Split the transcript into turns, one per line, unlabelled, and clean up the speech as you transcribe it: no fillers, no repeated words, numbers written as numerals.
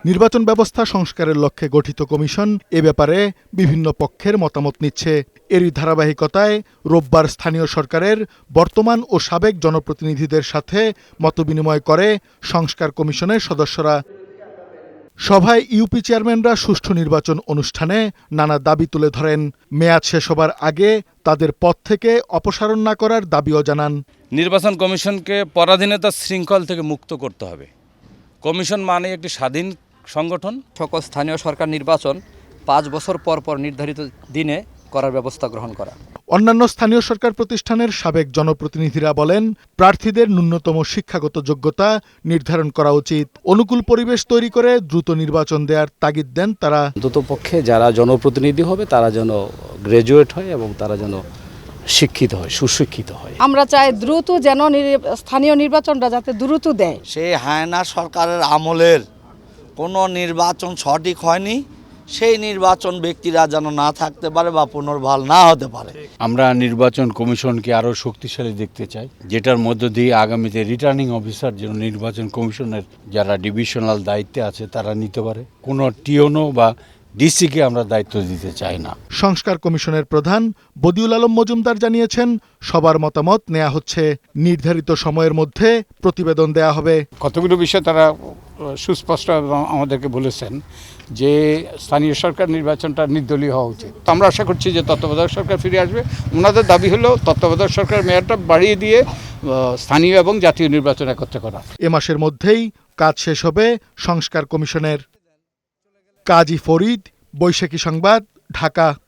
নির্বাচন ব্যবস্থা সংস্কারের লক্ষ্যে গঠিত কমিশন এ ব্যাপারে বিভিন্ন পক্ষের মতামত নিচ্ছে। এরই ধারাবাহিকতায় রোববার স্থানীয় সরকারের বর্তমান ও সাবেক জনপ্রতিনিধিদের সাথে মতবিনিময় করে সংস্কার কমিশনের সদস্যরা। সভায় ইউপি চেয়ারম্যানরা সুষ্ঠু নির্বাচন অনুষ্ঠানে নানা দাবি তুলে ধরেন। মেয়াদ শেষ হবার আগে তাদের পদ থেকে অপসারণ না করার দাবিও জানান।
নির্বাচন কমিশনকে পরাধীনতার শৃঙ্খল থেকে মুক্ত করতে হবে। কমিশন মানে একটি স্বাধীন সংগঠন।
সকল স্থানীয় সরকার নির্বাচন 5 বছর পর পর নির্ধারিত দিনে করার ব্যবস্থা গ্রহণ করা।
অন্যান্য স্থানীয় সরকার প্রতিষ্ঠানের সাবেক জনপ্রতিনিধিরা বলেন, প্রার্থীদের ন্যূনতম শিক্ষাগত যোগ্যতা নির্ধারণ করা উচিত। অনুকূল পরিবেশ তৈরি করে দ্রুত নির্বাচন দেওয়ার তাগিদ দেন তারা।
অন্ততপক্ষে যারা জনপ্রতিনিধি হবে তারা যেন গ্র্যাজুয়েট হয় এবং তারা যেন শিক্ষিত হয়, সুশিক্ষিত হয়।
আমরা চাই দ্রুত যেন স্থানীয় নির্বাচনটা যাতে দ্রুত দেয়।
সেই হায়না সরকারের আমলের কোনো নির্বাচন সঠিক হয়নি, সেই নির্বাচন ব্যক্তিরা যেন না থাকতে পারে বা পুনর্বহাল না হতে পারে।
আমরা নির্বাচন কমিশনকে আরও শক্তিশালী দেখতে চাই, যেটার মধ্য দিয়ে আগামীতে রিটার্নিং অফিসার যেন নির্বাচন কমিশনের যারা ডিভিশনাল দায়িত্বে আছে তারা নিতে পারে। কোনো টিওনো বা ডিসিকে আমরা দায়িত্ব দিতে চাই না।
সংস্কার কমিশনের প্রধান বদিউল আলম মজুমদার জানিয়েছেন, সবার মতামত নেওয়া হচ্ছে। নির্ধারিত সময়ের মধ্যে প্রতিবেদন দেয়া হবে।
কতগুলো বিষয় তারা সুস্পষ্ট আমাদেরকে বলেছেন যে স্থানীয় সরকার নির্বাচনটা নির্দলীয় হওয়া উচিত। আমরা আশা করছি যে তত্ত্বাবধায়ক সরকার ফিরে আসবে। ওনাদের দাবি হলো তত্ত্বাবধায়ক সরকার মেয়াদটা বাড়িয়ে দিয়ে স্থানীয় এবং জাতীয় নির্বাচন একত্রে করা।
এ মাসের মধ্যেই কাজ শেষ হবে সংস্কার কমিশনের। কাজী ফরিদ, বৈশাখী সংবাদ, ঢাকা।